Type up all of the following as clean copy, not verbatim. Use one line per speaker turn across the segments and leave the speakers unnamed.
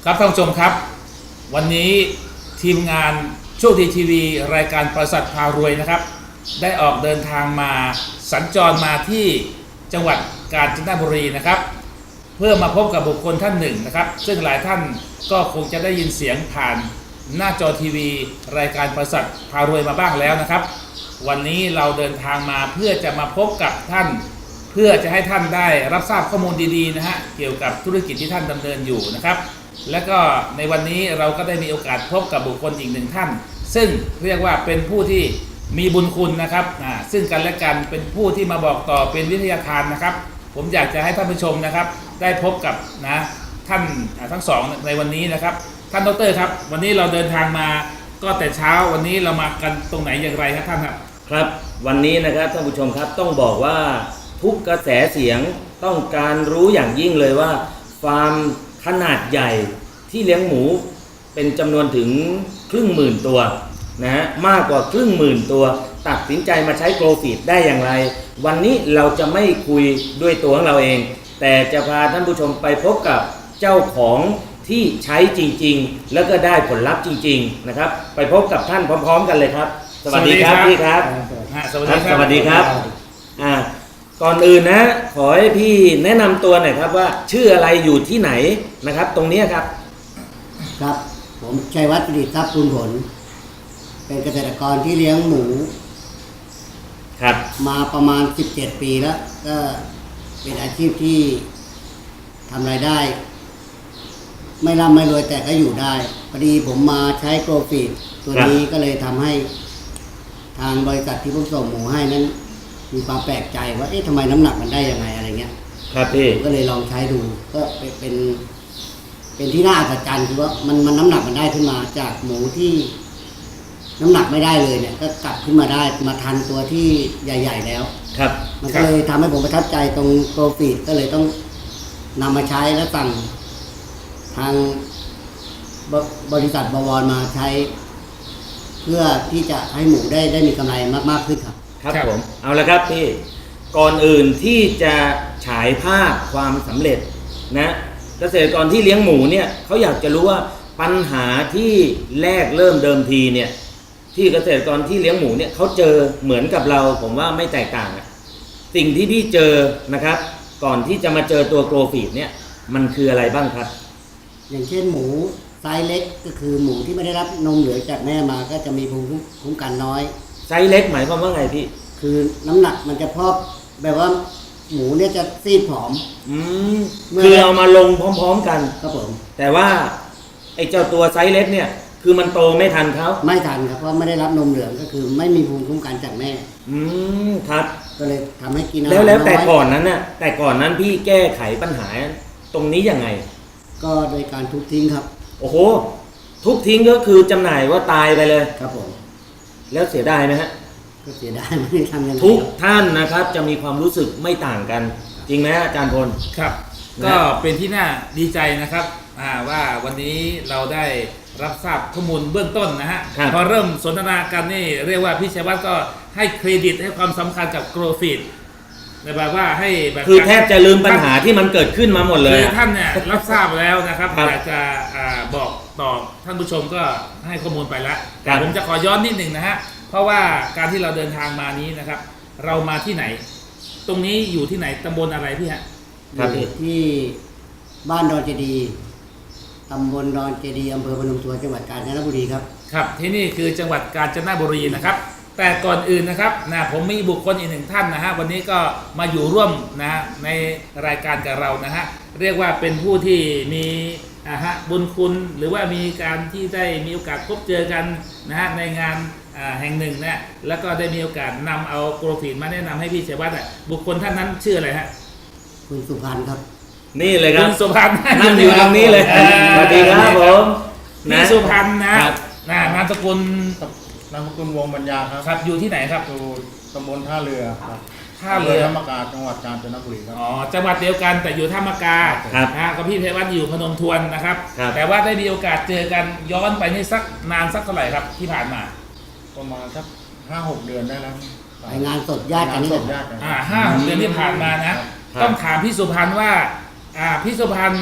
ครับท่านผู้ชมครับวันนี้ทีมงานโชคดีทีวีรายการประสัทพารวยนะครับได้ออกเดินทางมาสัญจรมาที่จังหวัดกาญจนบุรีนะครับเพื่อมาพบกับบุคคลท่านหนึ่งนะครับซึ่งหลายท่านก็คงจะได้ยินเสียงผ่านหน้าจอทีวีรายการประสัทพารวยมาบ้างแล้วนะครับวันนี้เราเดินทางมาเพื่อจะมาพบกับท่านเพื่อจะให้ท่านได้รับทราบข้อมูลดีๆนะฮะเกี่ยวกับธุรกิจที่ท่านดำเนินอยู่นะครับและก็ในวันนี้เราก็ได้มีโอกาสพบกับบุคคลอีกหนึ่งท่านซึ่งเรียกว่าเป็นผู้ที่มีบุญคุณนะครับซึ่งกันและกันเป็นผู้ที่มาบอกต่อเป็นวิทยาทานนะครับผมอยากจะให้ท่านผู้ชมนะครับได้พบกับท่านทั้งสองในวันนี้นะครับท่านดร.ครับวันนี้เราเดินทางมาก็แต่เช้าวันนี้เรามากันตรงไหนอย่างไรครับท่านครับ
ครับวันนี้นะครับท่านผู้ชมครับต้องบอกว่าทุกกระแสเสียงต้องการรู้อย่างยิ่งเลยว่าฟาร์มขนาดใหญ่ที่เลี้ยงหมูเป็นจำนวนถึง1,000,000 ตัวนะฮะมากกว่า1,000,000 ตัวตัดสินใจมาใช้โกลฟีดได้อย่างไรวันนี้เราจะไม่คุยด้วยตัวของเราเองแต่จะพาท่านผู้ชมไปพบกับเจ้าของที่ใช้จริงๆแล้วก็ได้ผลลัพธ์จริงๆนะครับไปพบกับท่านพร้อมๆกันเลยครับสวัสดีครับพี่ครับ
สวัสดีครับ
สวัสดีครับก่อนอื่นนะขอให้พี่แนะนำตัวหน่อยครับว่าชื่ออะไรอยู่ที่ไหนนะครับตรงนี้ครับ
ครับผมชัยวัฒน์ประดิษฐ์ทรัพย์ภูลผลเป็นเกษตรกรที่เลี้ยงหมู
ครับ
มาประมาณ17 ปีแล้วก็เป็นอาชีพที่ทำรายได้ไม่ร่ำไม่รวยแต่ก็อยู่ได้พอดีผมมาใช้โกลฟีดตัวนี้ก็เลยทำให้ทางบริษัทที่ผมส่งหมูให้นั้นมีความแปลกใจว่าเอ๊ะทำไมน้ำหนักมันได้ยังไงอะไรเงี้ย
ครับพี่
ก็เลยลองใช้ดูก็เป็นที่น่าอัศจรรย์คือว่ามันน้ำหนักมันได้ขึ้นมาจากหมูที่น้ำหนักไม่ได้เลยเนี่ยก็กลับขึ้นมาได้มาทันตัวที่ใหญ่ๆแล้ว
ครับ
มันก็เลยทำให้ผมประทับใจตรงโกลฟีดก็เลยต้องนำมาใช้และสั่งทางบริษัทบวรมาใช้เพื่อที่จะให้หมูได้มีกำไรมากๆขึ้นครับ
ครับผมเอาละครับพี่ก่อนอื่นที่จะฉายภาพความสำเร็จนะเกษตรกรที่เลี้ยงหมูเนี่ยเขาอยากจะรู้ว่าปัญหาที่แรกเริ่มเดิมทีเนี่ยที่เกษตรกรที่เลี้ยงหมูเนี่ยเขาเจอเหมือนกับเราผมว่าไม่แตกต่างสิ่งที่พี่เจอนะครับก่อนที่จะมาเจอตัวโกลฟีดเนี่ยมันคืออะไรบ้างครับ
อย่างเช่นหมูไซส์เล็กก็คือหมูที่ไม่ได้รับนมเหลืองจากแม่มาก็จะมีภูมิคุ้มกันน้อย
ไซส์เล็กหมายความว่าไงพี่
คือน้ำหนักมันจะพอกแบบว่าหมูเนี่ยจะซีดผอม
คือเอามาลงพร้อมๆกัน
ครับผม
แต่ว่าไอ้เจ้าตัวไซส์เล็กเนี่ยคือมันโตไม่ทันเขา
ไม่ทันครับเพราะไม่ได้รับนมเหลืองก็คือไม่มีภูมิคุ้มกันจากแม่
ครับ
ก็เลยทำให้กิน
แล้วแต่ก่อนนั้นน่ะแต่ก่อนนั้นพี่แก้ไขปัญหาตรงนี้ยังไง
ก็โดยการทุบทิ้งครับ
โอ้โหทุบทิ้งก็คือจำหน่ายว่าตายไปเลย
ครับผม
แล้วเสียดายไหมฮะ
ก็เสียดายไม่ได้ทำยังไง
ทุกท่านนะครับจะมีความรู้สึกไม่ต่างกันจริงไหมอาจารย์พล
ครับก็เป็นที่น่าดีใจนะครับว่าวันนี้เราได้รับทราบข้อมูลเบื้องต้นนะฮะพอเริ่มสนทนากันนี่เรียกว่าพี่ชัยวัฒน์ก็ให้เครดิตให้ความสำคัญกับโกลฟีดแบบว่าให้แบบ
คือแทบจะลืมปัญหาที่มันเกิดขึ้นมาหมดเลย
คือท่านเนี่ยรับทราบแล้วนะครับอยากจะบอกต่อท่านผู้ชมก็ให้ข้อมูลไปแล้วแต่ผมจะขอย้อนนิดหนึ่งนะฮะเพราะว่าการที่เราเดินทางมานี้นะครับเรามาที่ไหนตรงนี้อยู่ที่ไหนตำบลอะไรพี่ฮะ
อยู่ที่บ้านดอนเจดีตำบลดอนเจดีอำเภอพนมทวนจังหวัดกาญจนบุรีครับ
ครับที่นี่คือจังหวัดกาญจนบุรีนะครับแต่ก่อนอื่นนะครับผมมีบุคคลอีกหนึ่งท่านนะฮะวันนี้ก็มาอยู่ร่วมนะในรายการกับเรานะฮะเรียกว่าเป็นผู้ที่มีบุญคุณหรือว่ามีการที่ได้มีโอกาสพบเจอกันนะฮะในงานแห่งหนึ่งนะแล้วก็ได้มีโอกาสนำเอาโกลฟีดมาแนะนำให้พี่ชัยวัฒน์บุคคลท่านนั้นชื่ออะไรฮะ
คุณสุพรรณครับ
นี่เลยครับ
คุณสุพรรณ
นั่งอยู่ตรงนี้เลยสวัสดีครับผม
พี่สุพรรณนะนามสกุล
วงปัญญา
ครับอยู่ที่ไหนครับ
อยู่ตำบลท่าเรือครับ
ท่าเรือ
ธรรมกาจังหวัดกาญจนบุรีครับ
อ๋อจังหวัดเดียวกันแต่อยู่ท่ามกากับพี่ชัยวัฒน์อยู่พนมทวนนะครับแต่ว่าได้มีโอกาสเจอกันย้อนไปนี่สักนานสักเท่าไหร่ครับที่ผ่านมา
ประมาณสัก5-6 เดือนได้แล้ว
ไปงานสดญาติกัน
5-6 เดือนที่ผ่านมานะต้องถามพี่สุพรรณว่าพี่สุพรรณ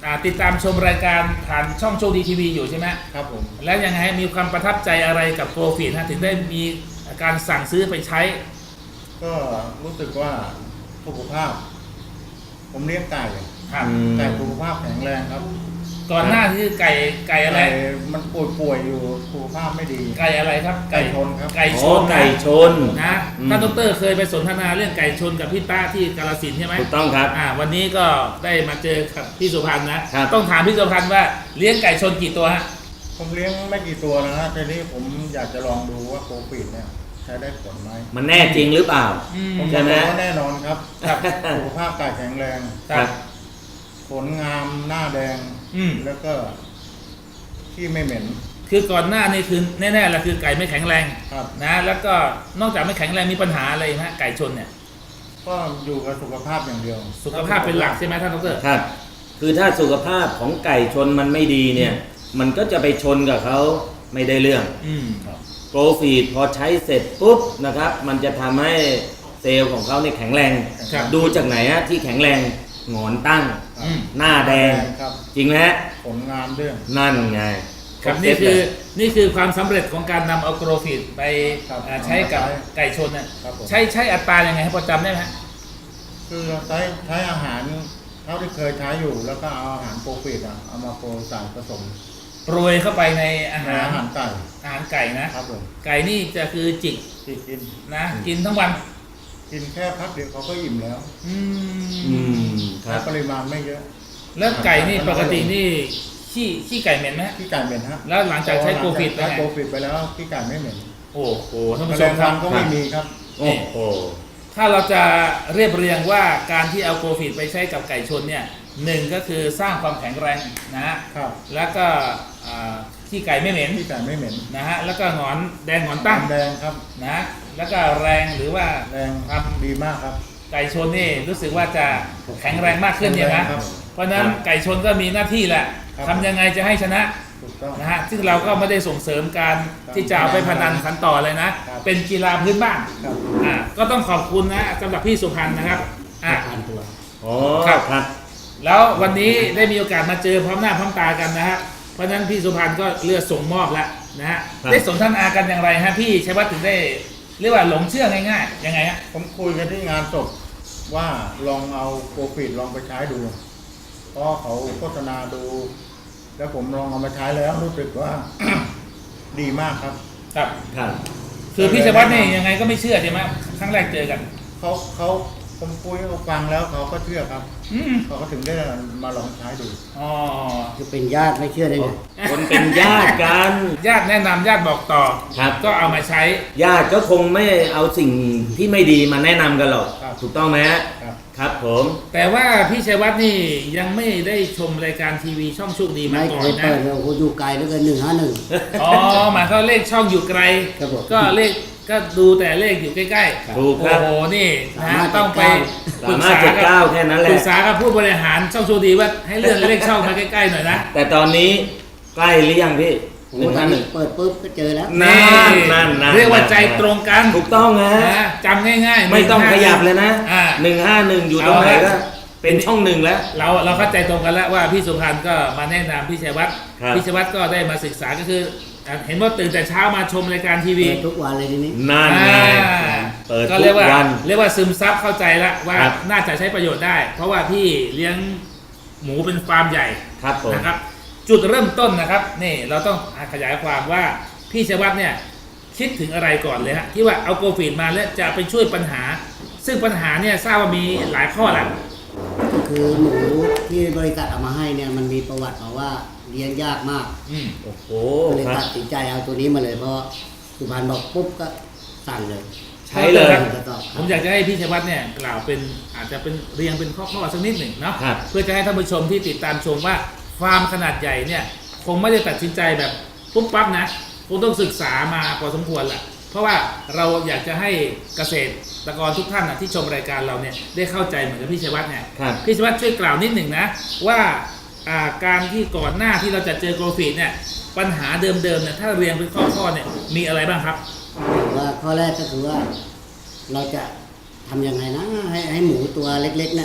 ติดตามชมรายการผ่านช่องโชคดีทีวีอยู่ใช่ไหม
ครับผม
แล้วยังไงมีความประทับใจอะไรกับโปรฟีดถึงได้มีการสั่งซื้อไปใช้
ก็รู้สึกว่าสุขภาพ ผมเลี้ยงไก่
ครับ
ไก่สุขภาพแข็งแรงครับ
ก่อนหน้าที่ไก่อะไร
ไก่มันป่วยอยู่สุขภาพไม่ดี
ไก่อะไรครับ
ไก่ชนครับ
ไก่ช
อ๋อน ไก่ชน
นะ
อืม
ท่านดรเคยไปสนทนาเรื่องไก่ชนกับพี่ต้าที่กาฬสินธุ์ใช่ไหม
ถูกต้องครับ
วันนี้ก็ได้มาเจอกับพี่สุพันธ์นะครับ ต้องถามพี่สุพันธ์ว่าเลี้ยงไก่ชนกี่ตัวฮะ
ผมเลี้ยงไม่กี่ตัวนะฮะแต่นี่ผมอยากจะลองดูว่าโควิดเนี่ยใช้ได้ผลไหม
มันแน่จริงหรือเปล่า
ผม
ใช่ไหม
บอกว่าแน่นอนครับ
ครับ
สุขภาพไก่แข็งแรง
ครับ
ขนงามหน้าแดง
อืม
แล้วก็ขี้ไม่เหม็น
คือก่อนหน้านี่คือแน่ๆแหละคือไก่ไม่แข็งแรง
ครับ
นะแล้วก็นอกจากไม่แข็งแรงมีปัญหาอะไรไหมฮะไก่ชนเนี่ย
ก็อยู่กับสุขภาพอย่างเดียว
สุขภาพเป็นหลักใช่ไหมท่านดร
ครับ คือถ้าสุขภาพของไก่ชนมันไม่ดีเนี่ย มันก็จะไปชนกับเขาไม่ได้เรื่อง
อืม
โปรฟีดพอใช้เสร็จปุ๊บนะครับ มันจะทำให้เซลล์ของเขาเนี่ยแข็งแรง
ครับ
ดูจากไหนฮะที่แข็งแรงหงอนตั้ง
อืม
หน้าแดง
ครับ
จริงไหมฮะ
ผลงานด้วย
นั่นไง
ครับ
รบ
นี่
เซต
คือ
เลย
นี่คือความสำเร็จของการนำเอาโกรฟีดไป
ครับ
ใช้กับ
ใช้
ไก่ชนน่ะ
ครับผม
ใช้อัตรายังไงให้พอจำได้ไหมฮะ
คือใช้อาหารเท่าที่เคยใช้อยู่ แล้วก็เอาอาหารโปรฟีดเอามาโปรใส่ผสม
โปรยเข้าไปในอา
ใน
หาร
อาหารไก่
อาหารไก่นะครับ
ผม
ไก่นี่จะคือจิก
ที่กิน
นะกินทั้งวัน
กินแค่พักเดียวเขาก็อิ่มแล้ว
อื
อื
ม
มค
ใช้
รับ
ปริมาณไม่เยอะ
แล้วไก่นี่ปกตินี่ขี้ไก่เหม็นไหมฮะ
ขี้ไก่เหม็นฮะ
แล้วหลังจากใช้โกรฟีดไป
ใช้
ไง
โปรฟีดไปแล้วขี้ไก่ไม่เหม็น
โอ้โหท่าน
แม
ผู้
ล
ช
ง
มค
วั
รับ
นก็ไม่มีครับ
โอ้โห
ถ้าเราจะเรียบเรียงว่าการที่เอาโกรฟีดไปใช้กับไก่ชนเนี่ยหนึ่งก็คือสร้างความแข็งแรงนะฮะ
ครับ
แล้วก็ขี้ไก่ไม่เหม็น
ขี้ไก่ไม่เหม็น
นะฮะแล้วก็หงอนแดงหงอนตั้ง
แดงครับ
นะแล้วก็แรงหรือว่า
แรง
ครับ
ดีมากครับ
ไก่ชนนี่รู้สึกว่าจะแข็งแรงมากขึ้นเนี่ยนะ
ครับ
เพราะฉะนั้นไก่ชนก็มีหน้าที่แหละ
ครับ
ทำยังไงจะให้ชนะ
ถูกต้อง
นะฮะซึ่งเราก็ไม่ได้ส่งเสริมการที่จะเอาไปพนันขันต่อเลยนะ
ครับ
เป็นกีฬาพื้นบ้าน
ครับ
ก็ต้องขอบคุณนะสำหรับพี่สุพันธ์นะครับอ่ะ
พันตัว
อ๋อ
ครับ
ครับ
แล้ววันนี้ได้มีโอกาสมาเจอพร้อมหน้าพร้อมตากันนะฮะเพราะฉะนั้นพี่สุพันธ์ก็เลือกส่งมอบแล้วนะฮะ
ครับ
ได้สนทนากันอย่างไรฮะพี่ชัยวัฒน์ถึงได้เรียกว่าหลงเชื่อง่ายๆยังไงฮะ
ผมคุยกันที่งานศพว่าลองเอาโปรฟีดลองไปใช้ดูเพราะเขาโฆษณาดู แล้วผมลองเอามาใช้แล้วรู้สึกว่า ดีมากครับ
ครับ
ครับ
คือพี่ชัยวัฒน์นี่ยังไงก็ไม่เชื่อใช่ไหมครั้งแรกเจอกัน
เขาผมคุยเขาฟังแล้วเขาก็เชื่อครับ
อืม
เขาก็ถึงได้มาลองใช้ดู
อ๋อ
จะเป็นญาติไม่เชื่อได้ไง
คนเป็นญาติกัน
ญาติแนะนำญาติบอกต่อ
ครับ
ก็เอามาใช้
ญาติก็คงไม่เอาสิ่งที่ไม่ดีมาแนะนำกันหรอก
ครับ
ถูกต้องไหมฮะ
ครับ
ครับผม
แต่ว่าพี่ชัยวัฒน์นี่ยังไม่ได้ชมรายการทีวีช่องโชคดีมา
ไม่
ก่อ
เคน ย
นะ
เปิดเลยโอ้โหอยู่ไกลเหลือเกิน151
อ๋อหมายเขามเลขช่องอยู่ไกล
ครับผม
ก็เลขก็ดูแต่เลขอยู่ใกล้
ถูก
ๆ
ครับ
โอ้โหนี่นะฮะ
359
ต้องไปปรึกษา
359
กับ
แค่นั้นแหละ
ปรึกษากับผู้บริหารช่องโชคดีว่าให้เลื่อนเลขช่องมาใกล้ๆหน่อยนะ
แต่ตอนนี้ใกล้หรือยังพี่
โอ้โหตอนนี้เปิดปุ๊บก็เจอแล้ว
นั่น
เรียกว่าใจตรงกัน
ถูกต้องนะ
นะจำง่ายๆ
ไม่ต้องขยับเลยนะ
อ่า
151อยู่ตรงไหน
เอาละ
ก็เป็นช่องหนึ่งแล้ว
เราเข้าใจตรงกันแล้วว่าพี่สุพันธ์ก็มาแนะนำพี่ชัยวัฒน์
ครับ
พี่ชัยวัฒน์ก็ได้มาศึกษาก็คือเห็นว่าตื่นแต่เช้ามาชมรายการทีวี
เปิดทุกวันเลยทีนี้
นั่นไง เปิด
ก็
ทุ
เรีย
ก
กว่า
วัน
เรียกว่าซึมซับเข้าใจแล้วว่า
ครับ
น่าจะใช้ประโยชน์ได้ เพราะว่าพี่เลี้ยงหมูเป็นฟาร์มใหญ่
ครับผม
นะครับ จุดเริ่มต้นนะครับนี่เราต้องขยายความว่าพี่ชัยวัฒน์เนี่ยคิดถึงอะไรก่อนเลยฮะที่ว่าเอาโกฟีดมาแล้วจะไปช่วยปัญหา ซึ่งปัญหาเนี่ยทราบว่ามีหลายข้อแหละ
ก็คือหมูที่บริษัทเอามาให้เนี่ยมันมีประวัติมาว่าเลี้ยงยากมาก
อืม
โอ้โห
ก็เลย
ครั
ตั
บ
ดสินใจเอาตัวนี้มาเลยเพราะสุพรรณบอกปุ๊บก็สั่งเลย
ใช้เลย
จะตอบ
ผมอยากจะให้พี่ชัยวัฒน์เนี่ยกล่าวเป็นอาจจะเป็นเรียงเป็นข้อๆสักนิดหนึ่งเนาะ
ครับ
เพื่อจะให้ท่านผู้ชมที่ติดตามชมว่าฟาร์มขนาดใหญ่เนี่ยคงไม่ได้ตัดสินใจแบบปุ๊บปั๊บนะคงต้องศึกษามาพอสมควรแหละเพราะว่าเราอยากจะให้เกษตรกรทุกท่านนะที่ชมรายการเราเนี่ยได้เข้าใจเหมือนกับพี่ชัยวัฒน์เนี่ย
ครับ
พี่ชัยวัฒน์ช่วยกล่าวนิดหนึ่งนะว่าการที่ก่อนหน้าที่เราจะเจอโกลฟีดเนี่ยปัญหาเดิมๆเนี่ยถ้าเรียงเป็นข้อๆเนี่ยมีอะไรบ้างครับ
ว่าข้อแรกก็คือว่า เราจะทำยังไงนะให้หมูตัวเล็กๆเนี่ย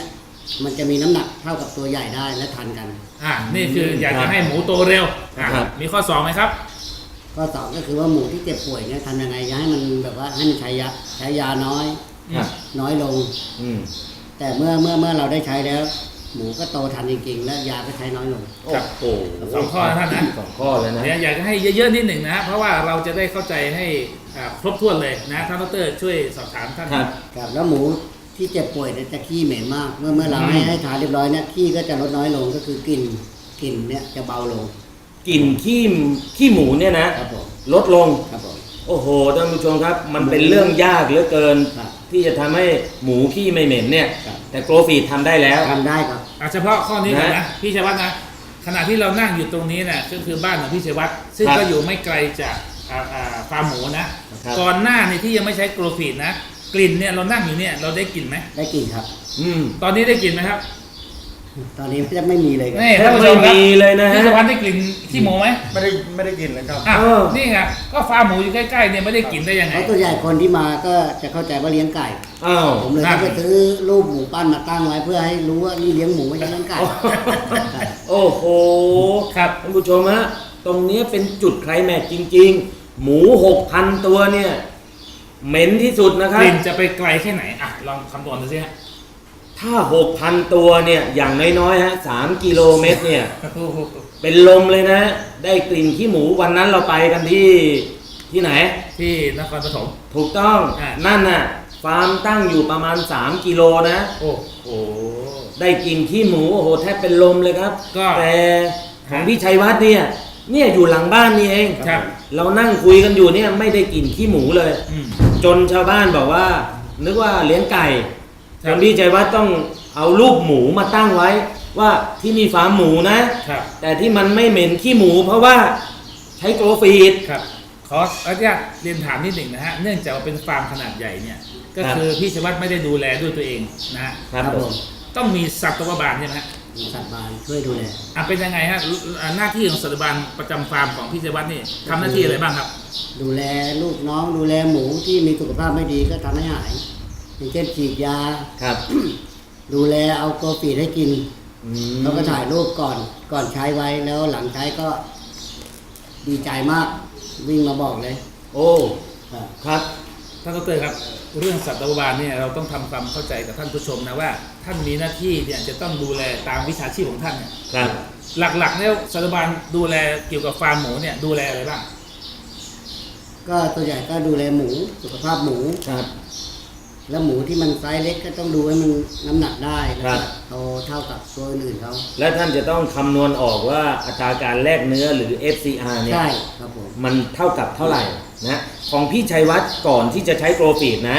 มันจะมีน้ำหนักเท่ากับตัวใหญ่ได้และทันกัน
นี่คืออยากจะให้หมูโตเร็วมีข้อ 2ไหมครับ
ข้อสองก็คือว่าหมูที่เจ็บป่วยเนี่ยทำยังไงจะให้มันแบบว่าให้มันใช้ยาน้อย
ครับ
น้อยลง
อืม
แต่เมื่อเราได้ใช้แล้ว หมูก็โตทันจริงๆ และยาก็ใช้น้อยลง
โอ้โห
สองข้อนะท่านนะ
สองข้อเลยนะ
เดี๋ยวอยากจะให้เยอะๆนิดหนึ่งนะเพราะว่าเราจะได้เข้าใจให้ครบถ้วนเลยนะท่านดรช่วยสอบถามท่าน
ครับ
ครับแล้วหมูที่เจ็บป่วยเนี่ยจะขี้เหม็นมาก เมื่อเราให้ทานเรียบร้อยเนี่ยขี้ก็จะลดน้อยลงก็คือกลิ่นเนี่ยจะเบาลง
กลิ่นขี้หมูเนี่ยนะครับ
ผม
ลดลง
ครับผม
โอ้โหท่านผู้ชมครับ มันเป็นเรื่องยากเหลือเกิน
ครับ
ที่จะทำให้หมูขี้ไม่เหม็นเนี่ย
ครับ
แต่โกลฟีดทำได้แล้ว
ทำได้ครับ
เฉพาะข้อนี้ก่อนนะ
นะ
พี่ชัยวัฒน์นะขณะที่เรานั่งอยู่ตรงนี้นะก็คือบ้านของพี่ชัยวัฒน์ซึ่ง
ครับ
ก็อยู่ไม่ไกลจากฟาร์มหมูนะครับ ก่อนหน้านี่ที่ยังไม่ใช้โกลฟีดนะกลิ่นเนี่ยเรานั่งอยู่เนี่ยเราได้กลิ่นไหม
ได้กลิ่นครับ
อืม
ตอนนี้ได้กลิ่นไหมครับ
ตอนนี้ไม่มีเลยครับ
นี่
แท
ท่า
บ
นผู้ช
ไม่
มครับ
มีเลยนะฮะ
พี่ชัยวัฒน์ได้กลิ่นขี้หมูไหม
ไม่ได้กินเลยครับ
อ่ะ
เออ
นี่ไงก็ฟาร์มหมูอยู่ใกล้ๆเนี่ยไม่ได้กลิ่นได้ยังไง
เพราะตัวใหญ่คนที่มาก็จะเข้าใจว่าเลี้ยงไก่
อ้าว
ผมเลย
นั่
ต้อน งไปซื้อรูปหมูปั้นมาตั้งไว้เพื่อให้รู้ว่านี่เลี้ยงหมูไม่ใช่เลี้ยงไก่
โอ้โห
ครับ
ท่านผู้ชมฮะตรงนี้เป็นจุดไคลแม็กซ์จริง ๆ หมู 6,000 ตัวเนี่ยเหม็นที่สุดนะค
ก
รับ
ลิ่นจะไปไกลแค่ไหนลองคำนวณดูสิฮะ
ถ้า 6,000 ตัวเนี่ยอย่างน้อยๆฮะ3กิโลเมตรเนี่ยเป็นลมเลยนะ ได้กลิ่นขี้หมูวันนั้นเราไปกันที่ไหน
ที่นครปฐม
ถูกต้อง
อ่า
นั่นน่ะฟาร์มตั้งอยู่ประมาณ3กิโลนะ
โอ้โห
ได้กลิ่นขี้หมูโอ้โหแทบเป็นลมเลยครับ
ก็
แต่ของพี่ชัยวัฒน์เนี่ยอยู่หลังบ้านนี่เอง
ครับ
เรานั่งคุยกันอยู่เนี่ยไม่ได้กลิ่นขี้หมูเลย
อืม
จนชาวบ้านบอกว่า นึกว่าเลี้ยงไก่
ครับ
จนพี่ชัยวัฒน์ต้องเอารูปหมูมาตั้งไว้ ว่าที่มีฟาร์มหมูนะ
ครับ
แต่ที่มันไม่เหม็นขี้หมู เพราะว่าใช้โกลฟีด
ครับขออนุญาตเรียนถามนิดหนึ่งนะฮะเนื่องจากว่าเป็นฟาร์มขนาดใหญ่เนี่ยก็
ครับ
คือพี่ชัยวัฒน์ไม่ได้ดูแลด้วยตัวเองนะฮะ
ครับ
ครับ
ผ
ผม ม
ต้องมีสัตวบาลใช่ไหมฮะ
สัตว์บานช่วยดูแล
เป็นยังไงฮะหน้าที่ของสัตวบาลประจำฟาร์มของพี่ชัยวัฒน์นี่ทำหน้าที่อะไรบ้างครับ
ดูแลลูกน้องดูแลหมูที่มีสุขภาพไม่ดีก็ทำให้หายอย่างเช่นฉีดยา
ครับ
ดูแลเอาโกลฟีดให้กิน
อืม
เขาก็ถ่ายรูปก่อนใช้ไว้แล้วหลังใช้ก็ดีใจมากวิ่งมาบอกเลย
โอ้
ครับ
ครับ
ท่านดรครับเรื่องสัตวบาลเนี่ยเราต้องทำความเข้าใจกับท่านผู้ชมนะว่าท่านมีหน้าที่เนี่ยจะต้องดูแลตามวิชาชีพของท่านเนี่ย
ครับ
หลักๆเนี่ยสัตวบาลดูแลเกี่ยวกับฟาร์มหมูเนี่ยดูแลอะไรบ้าง
ก็ตัวใหญ่ก็ดูแลหมูสุขภาพหมู
ครับ
แล้วหมูที่มันไซส์เล็กก็ต้องดูให้มันน้ำหนักได้แล้ว
ครั
ก็
บ
โตเท่ากับตัวอื่นเขา
และท่านจะต้องคำนวณออกว่าอัตราการแลกเนื้อหรือ FCR เนี่ย
ใช่ครับผม
มันเท่ากับเท่าไหร่นะของพี่ชัยวัฒน์ก่อนที่จะใช้โกลฟีดนะ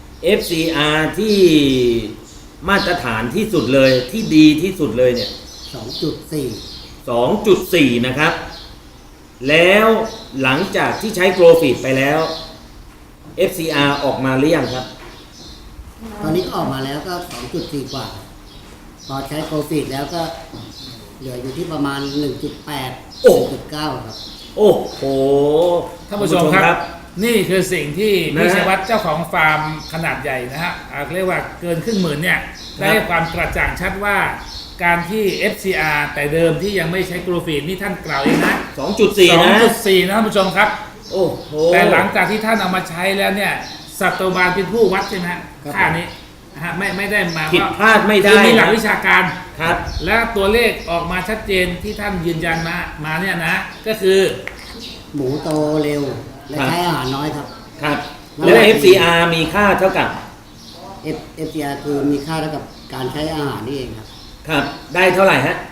FCR ที่มาตรฐานที่สุดเลยที่ดีที่สุดเลยเนี่ย
2.4
2.4 นะครับ แล้วหลังจากที่ใช้โกลฟีดไปแล้ว FCR ออกมาหรือยังครับ
ตอนนี้ก็ออกมาแล้วก็ 2.4 กว่า พอใช้โกลฟีดแล้วก็เหลืออยู่ที่ประมาณ 1.8
โอ้
1.9 ครับ
โอ้โห
ท่านผู้ชมครับ นี่คือสิ่งที่
นะ
พี่
ฮะ
ชัยวัฒน์เจ้าของฟาร์มขนาดใหญ่นะฮะเรียกว่าเกินครึ่งหมื่นเนี่ยได้ให้ความกระจ่างชัดว่าการที่ FCR แต่เดิมที่ยังไม่ใช้โกลฟีดนี่ท่านกล่าวเองนะ
2.4 นะ
2.4 นะท่านผู้ชมครับ
โอ้โห
แต่หลังจากที่ท่านเอามาใช้แล้วเนี่ยสัตวบาลเป็นผู้วัดใช่ไหมฮะ
ครับ
ค่านี้นะฮะไม่ได้มา
ผิดพลาดไม่ได้
คือมีหลักวิชาการ
ครับ
และตัวเลขออกมาชัดเจนที่ท่านยืนยันมาเนี่ยนะก็คือ
หมูโตเร็ว และ
ครับ
ใช้อาหารน้อยครับ
ครับ แล้ว FCR มีค่าเท่ากับ
FCR คือมีค่าเท่ากับการใช้อาหารนี่เองครับ
ครับ ได้เท่าไหร่ฮะ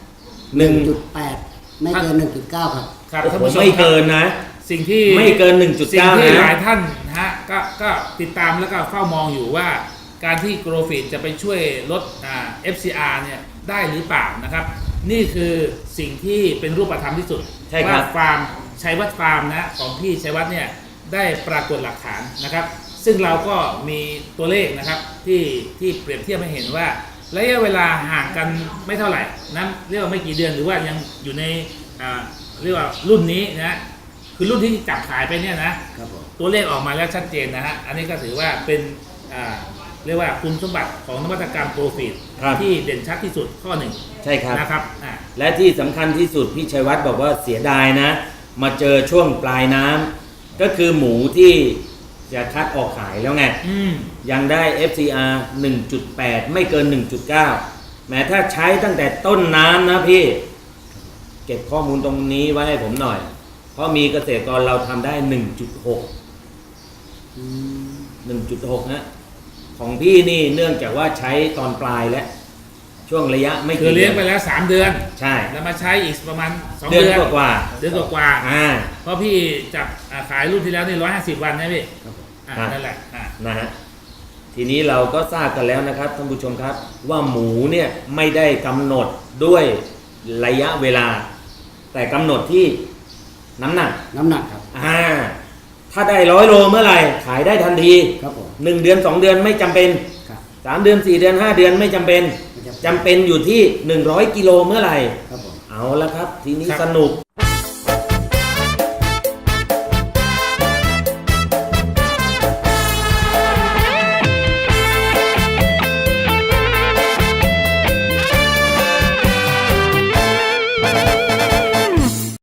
1.8 ไม่เกิน 1.9 ครับ
ครับ
โอ้โห
ท่านผู้ชม
ไม่
ครั
เกิ
บ
นนะ
สิ่งที่
ไม่เกิน
สิ่งที่
1.9
หลาย
นะ
ท่านนะฮะก็ติดตามแล้วก็เฝ้ามองอยู่ว่าการที่โกลฟีดจะไปช่วยลดFCR เนี่ยได้หรือเปล่านะครับ นี่คือสิ่งที่เป็นรูปธรรมที่สุด
ใช่ครับ
ว่าฟาร์มชัยวัฒน์ฟาร์มนะของพี่ชัยวัฒน์เนี่ยได้ปรากฏหลักฐานนะครับ ซึ่งเราก็มีตัวเลขนะครับที่เปรียบเทียบให้เห็นว่าระยะเวลาห่างกันไม่เท่าไหร่นะเรียกว่าไม่กี่เดือนหรือว่ายังอยู่ในเรียกว่ารุ่นนี้นะคือรุ่นที่จับขายไปเนี่ยนะครับ
ผม
ตัวเลขออกมาแล้วชัดเจนนะฮะอันนี้ก็ถือว่าเป็นเรียกว่าคุณสมบัติของนวัตกรรมโปรฟีด
ครับ
ที่เด่นชัดที่สุดข้อหนึ่ง
ใช่ครับ
นะครับ
และที่สำคัญที่สุดพี่ชัยวัฒน์บอกว่าเสียดายนะ มาเจอช่วงปลายน้ำก็คือหมูที่จะคัดออกขายแล้วไง ยังได้ FCR 1.8 ไม่เกิน 1.9 แม้ถ้าใช้ตั้งแต่ต้นน้ำนะพี่ เก็บข้อมูลตรงนี้ไว้ให้ผมหน่อย เพราะมีเกษตรกรเราทำได้ 1.6 นะ ของพี่นี่เนื่องจากว่าใช้ตอนปลายและช่วงระยะไม่
คือเลี้ยงไปแล้ว3 เดือน
ใช่
แล้วมาใช้อีกประมาณ2
เดื
เดื
อ
อน น
กว่า
เดือนกว่า
ๆอ่า
เพราะพี่จับขายรุ่นที่แล้วนี่150 วันนะพี่
ครับ
นั่นแหละ
นะฮะทีนี้เราก็ทราบกันแล้วนะครับท่านผู้ชมครับ ว่าหมูเนี่ยไม่ได้กำหนดด้วยระยะเวลา แต่กำหนดที่น้ำหนัก
น้ำหนักครับ
ถ้าได้100 โลเมื่อไหร่ขายได้ทันที
ครับผม
1 เดือน 2 เดือนไม่จำเป็น
ครับ
3 เดือน 4 เดือน 5 เดือนไม่จำเป็น
ไม่จำเป็น
จำเป็นอยู่ที่100 กิโลเมื่อไหร่
ครับผม
เอาละครับ ทีนี้
ครับ
สนุก